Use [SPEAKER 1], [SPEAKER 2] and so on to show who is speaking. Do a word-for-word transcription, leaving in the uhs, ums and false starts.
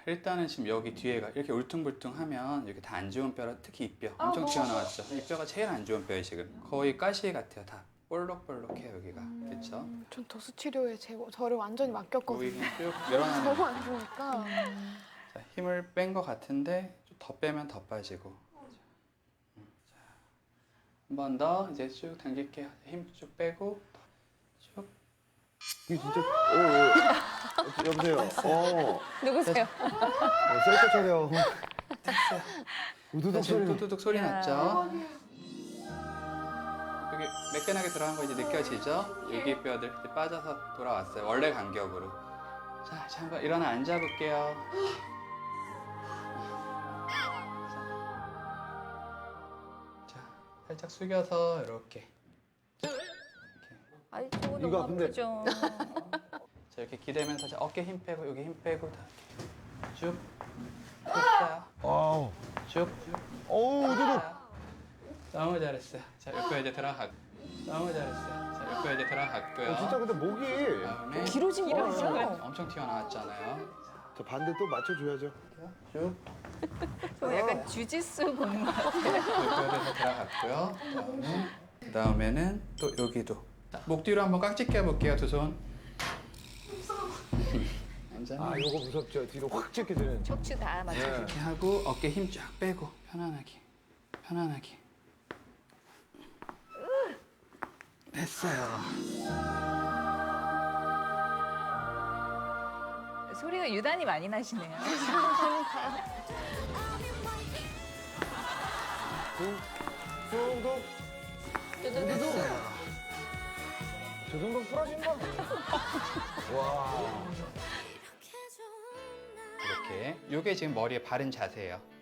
[SPEAKER 1] 일단은 지금 여기 뒤에가 이렇게 울퉁불퉁하면 이렇게 다 안 좋은 뼈라, 특히 이 뼈 엄청 튀어나왔죠. 이 뼈가 제일 안 좋은 뼈예요 지금. 거의 가시 같아요. 다 볼록볼록해요 여기가. 그렇죠?
[SPEAKER 2] 전 도수 치료에 제, 저를 완전히
[SPEAKER 1] 거기
[SPEAKER 2] 맡겼거든요.
[SPEAKER 1] 그냥 쭉 밀어넣는.
[SPEAKER 2] 너무 안 좋으니까.
[SPEAKER 1] 자, 힘을 뺀 것 같은데 좀 더 빼면 더 빠지고. 한 번 더 이제 쭉 당길게요. 힘 쭉 빼고 쭉.
[SPEAKER 3] 이게 진짜 오, 오. 여보세요. 어.
[SPEAKER 4] 누구세요?
[SPEAKER 3] 어, 셀카 촬영. 우두둑
[SPEAKER 1] 지금
[SPEAKER 3] 소리.
[SPEAKER 1] 뚜두둑 소리
[SPEAKER 4] 야.
[SPEAKER 1] 났죠? 여기 매끈하게 들어간 거 이제 느껴지죠? 여기 뼈들 이제 빠져서 돌아왔어요. 원래 간격으로. 자, 자 한번 일어나 앉아볼게요. 자, 살짝 숙여서 이렇게.
[SPEAKER 4] 아이, 저거
[SPEAKER 3] 이거
[SPEAKER 4] 너무
[SPEAKER 3] 아픈데.
[SPEAKER 4] 아프죠.
[SPEAKER 1] 자, 이렇게 기대면서 자, 어깨 힘 빼고 여기 힘 빼고 다 이렇게 쭉. 됐어요.
[SPEAKER 3] 아우.
[SPEAKER 1] 쭉.
[SPEAKER 3] 어우, 우두둑.
[SPEAKER 1] 너무 잘했어요. 자, 옆에 이제 들어가. 너무 잘했어요. 자, 옆에 이제 들어갔고요.
[SPEAKER 3] 어, 진짜 근데 목이.
[SPEAKER 1] 다음에
[SPEAKER 4] 길어진 게 아니죠?
[SPEAKER 1] 엄청 튀어나왔잖아요.
[SPEAKER 3] 저 반대 또 맞춰줘야죠.
[SPEAKER 1] 쭉.
[SPEAKER 4] 저 약간 주짓수 보는 것 같아요.
[SPEAKER 1] 옆에서 들어갔고요. 그다음에 그다음에는 또 여기도. 자, 목 뒤로 한번 깍지 껴볼게요. 두 손. 앉아.
[SPEAKER 3] 아, 요거 무섭죠. 뒤로 확 찍게 되는.
[SPEAKER 4] 척추 다 맞춰.
[SPEAKER 3] 네.
[SPEAKER 1] 이렇게 하고 어깨 힘 쫙 빼고 편안하게. 편안하게. 됐어요.
[SPEAKER 4] 소리가 유난히 많이 나시네요.
[SPEAKER 3] 둥둥.
[SPEAKER 1] 됐어요.
[SPEAKER 3] 저 정도 부러진다. 와.
[SPEAKER 1] 이렇게. 요게 지금 머리에 바른 자세예요.